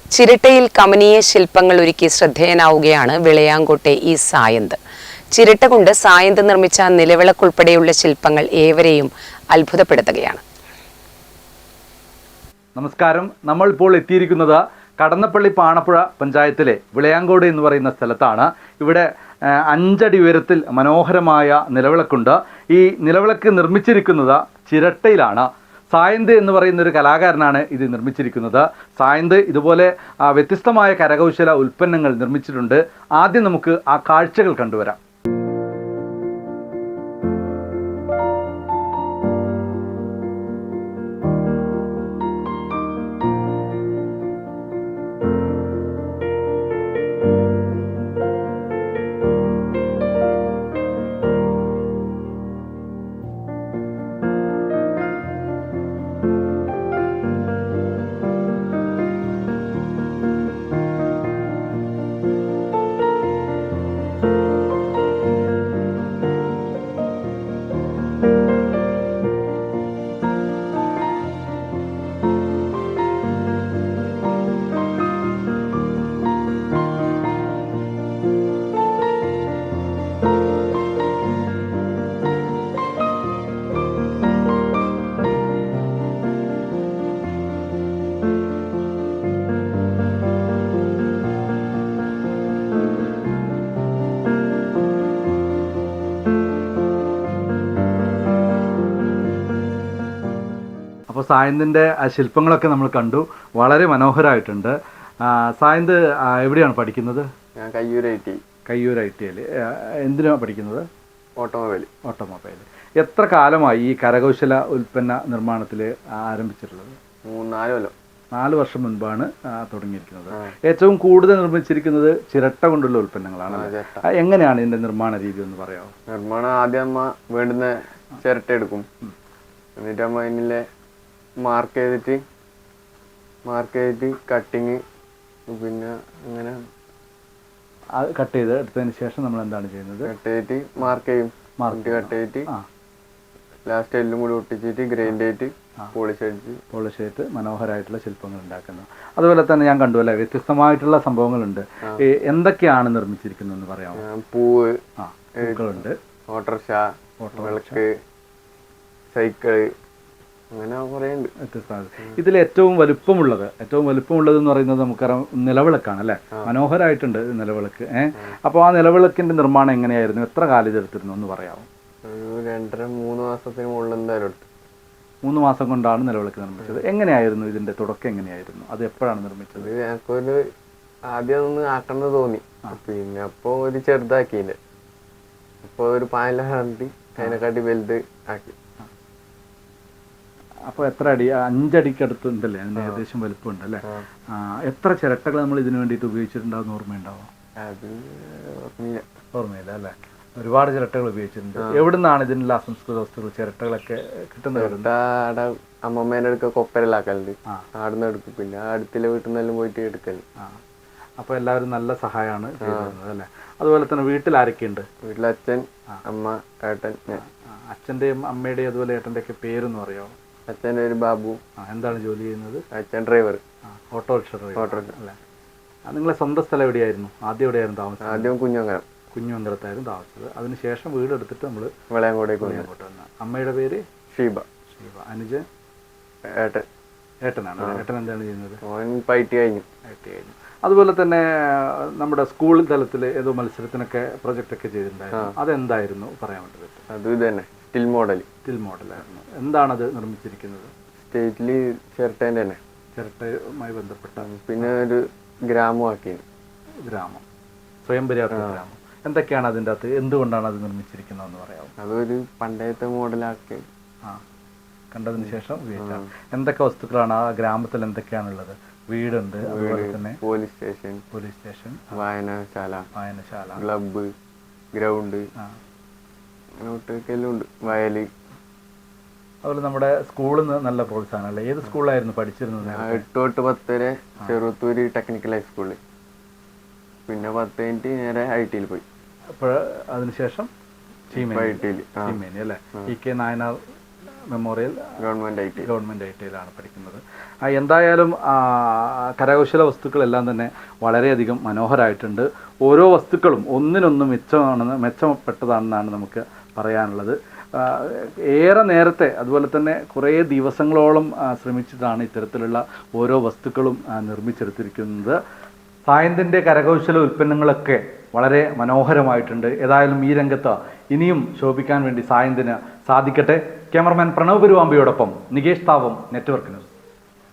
ചിരട്ടയിൽ കമനീയ ശില്പങ്ങൾ ഒരുക്കി ശ്രദ്ധേയനാവുകയാണ് വിളയാങ്കോട്ടെ ഈ സായന്ത്. ചിരട്ട കൊണ്ട് സായന്ത് നിർമ്മിച്ച നിലവിളക്കുൾപ്പെടെയുള്ള ശില്പങ്ങൾ ഏവരെയും അത്ഭുതപ്പെടുത്തുകയാണ്. നമസ്കാരം. നമ്മൾ ഇപ്പോൾ എത്തിയിരിക്കുന്നത് കടന്നപ്പള്ളി പാണപ്പുഴ പഞ്ചായത്തിലെ വിളയാങ്കോട് എന്ന് പറയുന്ന സ്ഥലത്താണ്. ഇവിടെ 5 അടി ഉയരത്തിൽ മനോഹരമായ നിലവിളക്കുണ്ട്. ഈ നിലവിളക്ക് നിർമ്മിച്ചിരിക്കുന്നത് ചിരട്ടയിലാണ്. സായന്ത് എന്ന് പറയുന്ന ഒരു കലാകാരനാണ് ഇത് നിർമ്മിച്ചിരിക്കുന്നത്. സായന്ത് ഇതുപോലെ വ്യത്യസ്തമായ കരകൗശല ഉൽപ്പന്നങ്ങൾ നിർമ്മിച്ചിട്ടുണ്ട്. ആദ്യം നമുക്ക് ആ കാഴ്ചകൾ കണ്ടുവരാം. അപ്പോൾ സായന്തിൻ്റെ ആ ശില്പങ്ങളൊക്കെ നമ്മൾ കണ്ടു. വളരെ മനോഹരമായിട്ടുണ്ട്. സായന്ത് എവിടെയാണ് പഠിക്കുന്നത്? ഞാൻ കയ്യൂർ ITL. എന്തിനാണ് പഠിക്കുന്നത്? ഓട്ടോമൊബൈൽ. എത്ര കാലമായി ഈ കരകൗശല ഉൽപ്പന്ന നിർമ്മാണത്തിൽ ആരംഭിച്ചിട്ടുള്ളത്? 3-4 കൊല്ലം. 4 വർഷം മുൻപാണ് തുടങ്ങിയിരിക്കുന്നത്. ഏറ്റവും കൂടുതൽ നിർമ്മിച്ചിരിക്കുന്നത് ചിരട്ട കൊണ്ടുള്ള ഉൽപ്പന്നങ്ങളാണ്. എങ്ങനെയാണ് ഇതിൻ്റെ നിർമ്മാണ രീതി എന്ന് പറയാമോ? നിർമ്മാണം ആദ്യം അമ്മ വേണ്ടുന്ന ചിരട്ട എടുക്കും. എന്നിട്ട് അമ്മ അതിനെ മാർക്ക് ചെയ്തിട്ട് കട്ടിങ്, പിന്നെ അങ്ങനെ കട്ട് ചെയ്ത് എടുത്തതിന് ശേഷം നമ്മൾ എന്താണ് ചെയ്യുന്നത്? കട്ട് ചെയ്തിട്ട് മാർക്ക് ചെയ്യും. കട്ട് ചെയ്തിട്ട് ലാസ്റ്റ് എല്ലാം കൂടി ഒട്ടിച്ചിട്ട് ഗ്രൈൻഡ് ചെയ്തിട്ട് പോളിഷ് ചെയ്തിട്ട് മനോഹരമായിട്ടുള്ള ശില്പങ്ങൾ ഉണ്ടാക്കുന്നു. അതുപോലെ തന്നെ ഞാൻ കണ്ടു അല്ലേ, വ്യത്യസ്തമായിട്ടുള്ള സംഭവങ്ങളുണ്ട്. എന്തൊക്കെയാണ് നിർമ്മിച്ചിരിക്കുന്നതെന്ന് പറയാമോ? പൂക്കളുണ്ട്, ഓട്ടോറിക്ഷ, വിളക്ക്, സൈക്കിള്, അങ്ങനെ കുറേ ഉണ്ട്. ഇതിൽ ഏറ്റവും വലുപ്പമുള്ളത് എന്ന് പറയുന്നത് നമുക്കറിയാം നിലവിളക്കാണ് അല്ലേ? മനോഹരമായിട്ടുണ്ട് നിലവിളക്ക്. അപ്പോൾ ആ നിലവിളക്കിന്റെ നിർമ്മാണം എങ്ങനെയായിരുന്നു? എത്ര കാലം ഇതെടുത്തിരുന്നു എന്ന് പറയാമോ? ഒരു 2-3 മാസത്തിന് മുകളിൽ എന്തായാലും എടുത്തു. 3 മാസം കൊണ്ടാണ് നിലവിളക്ക് നിർമ്മിച്ചത്. എങ്ങനെയായിരുന്നു ഇതിന്റെ തുടക്കം? എങ്ങനെയായിരുന്നു അത്? എപ്പോഴാണ് നിർമ്മിച്ചത്? ഞങ്ങൾക്കൊരു ആദ്യം ഒന്ന് ആക്കണമെന്ന് തോന്നി. പിന്നെ അപ്പോൾ ഒരു ചെറുതാക്കിയില്ല. അപ്പോൾ ഒരു പാനിലാണ്ടി അതിനെക്കാട്ടി വലുത് ആക്കി. അപ്പോൾ എത്ര അടി? 5 അടിക്ക് അടുത്തുണ്ടല്ലേ? അതിന് ഏകദേശം വലുപ്പമുണ്ട് അല്ലേ? എത്ര ചിരട്ടകൾ നമ്മൾ ഇതിനു വേണ്ടിയിട്ട് ഉപയോഗിച്ചിട്ടുണ്ടാവുന്ന ഓർമ്മയുണ്ടാവും? ഓർമ്മയില്ല അല്ലേ? ഒരുപാട് ചിരട്ടകൾ ഉപയോഗിച്ചിട്ടുണ്ട്. എവിടുന്നാണ് ഇതിനുള്ള അസംസ്കൃത വസ്തുക്കൾ ചിരട്ടകളൊക്കെ കിട്ടുന്നത്? അമ്മമ്മേൻ്റെ അടുക്ക കൊപ്പരലാക്കലുണ്ട്, ആടുന്ന് എടുക്കും. പിന്നെ അടുത്തുള്ള വീട്ടിൽ നിന്നെല്ലാം പോയിട്ട് എടുക്കല്. അപ്പോൾ എല്ലാവരും നല്ല സഹായമാണ് ചെയ്തിരുന്നത് അല്ലേ? അതുപോലെ തന്നെ വീട്ടിൽ ആരൊക്കെയുണ്ട്? വീട്ടിൽ അച്ഛൻ, അമ്മ, ഏട്ടൻ, ഞാൻ. അച്ഛൻ്റെയും അമ്മയുടെയും അതുപോലെ ഏട്ടൻ്റെ ഒക്കെ പേരെന്ന് പറയാമോ? അച്ഛൻ്റെ ഒരു ബാബു. എന്താണ് ജോലി ചെയ്യുന്നത്? അച്ഛൻ ഡ്രൈവർ, ഓട്ടോറിക്ഷ അല്ലേ? നിങ്ങളെ സ്വന്തം സ്ഥലം എവിടെയായിരുന്നു? ആദ്യം എവിടെയായിരുന്നു താമസം? ആദ്യം കുഞ്ഞുമംഗലത്തായിരുന്നു താമസിച്ചത്. അതിനുശേഷം വീടെടുത്തിട്ട് നമ്മൾ വിളയാങ്കോട്ടേക്ക് വന്നു. അമ്മയുടെ പേര് ഷീബ. അനുജൻ ഏട്ടനാണ്. ഏട്ടൻ എന്താണ് ചെയ്യുന്നത്? IT കഴിഞ്ഞു. അതുപോലെ തന്നെ നമ്മുടെ സ്കൂൾ തലത്തിൽ ഏതോ മത്സരത്തിനൊക്കെ പ്രൊജക്റ്റൊക്കെ ചെയ്തിട്ടുണ്ടായിരുന്നു. അതെന്തായിരുന്നു പറയാൻ വേണ്ടത്? അത് തന്നെ സ്റ്റിൽ മോഡലായിരുന്നു. എന്താണത് നിർമ്മിച്ചിരിക്കുന്നത്? സ്റ്റേറ്റിൽ ചിരട്ടേൻ്റെ തന്നെ, ചിരട്ടയുമായി ബന്ധപ്പെട്ട. പിന്നെ ഒരു ഗ്രാമം, സ്വയം പര്യാപ്ത ഗ്രാമം. എന്തൊക്കെയാണ് അതിൻ്റെ അകത്ത്? എന്തുകൊണ്ടാണ് അത് നിർമ്മിച്ചിരിക്കുന്നതെന്ന് പറയാമോ? അതൊരു പണ്ടത്തെ മോഡലാക്കി കണ്ടതിന് ശേഷം ഉപയോഗിച്ചാൽ എന്തൊക്കെ വസ്തുക്കളാണ് ആ ഗ്രാമത്തിൽ? എന്തൊക്കെയാണുള്ളത്? വീടുണ്ട്, അതുപോലെ തന്നെ പോലീസ് സ്റ്റേഷൻ, വായനശാല, ക്ലബ്ബ്, ഗ്രൗണ്ട്, ഉണ്ട്, വയല്. അതുപോലെ നമ്മുടെ സ്കൂളിൽ നിന്ന് നല്ല പ്രോത്സാഹനമല്ലേ? ഏത് സ്കൂളിലായിരുന്നു പഠിച്ചിരുന്നത്? 8 തൊട്ട് 10 വരെ ചെറുത്തൂര് ടെക്നിക്കൽ ഹൈസ്കൂളിൽ. പിന്നെ 10 കഴിഞ്ഞിട്ട് നേരെ ITയിൽ പോയി. അപ്പോൾ അതിനുശേഷം ചീമേനി അല്ലേ? EK Nayanar memorial government I ടിയിലാണ് പഠിക്കുന്നത്. എന്തായാലും കരകൗശല വസ്തുക്കളെല്ലാം തന്നെ വളരെയധികം മനോഹരമായിട്ടുണ്ട്. ഓരോ വസ്തുക്കളും ഒന്നിനൊന്ന് മെച്ചപ്പെട്ടതാണെന്നാണ് നമുക്ക് പറയാനുള്ളത്. ഏറെ നേരത്തെ അതുപോലെ തന്നെ കുറേ ദിവസങ്ങളോളം ശ്രമിച്ചിട്ടാണ് ഇത്തരത്തിലുള്ള ഓരോ വസ്തുക്കളും നിർമ്മിച്ചെടുത്തിരിക്കുന്നത്. സായന്തിൻ്റെ കരകൗശല ഉൽപ്പന്നങ്ങളൊക്കെ വളരെ മനോഹരമായിട്ടുണ്ട്. ഏതായാലും ഈ രംഗത്ത് ഇനിയും ശോഭിക്കാൻ വേണ്ടി സായന്തിന് സാധിക്കട്ടെ. ക്യാമറമാൻ പ്രണവ് പെരുവാമ്പയോടൊപ്പം നികേഷ് താവം, നെറ്റ്വർക്ക് ന്യൂസ്.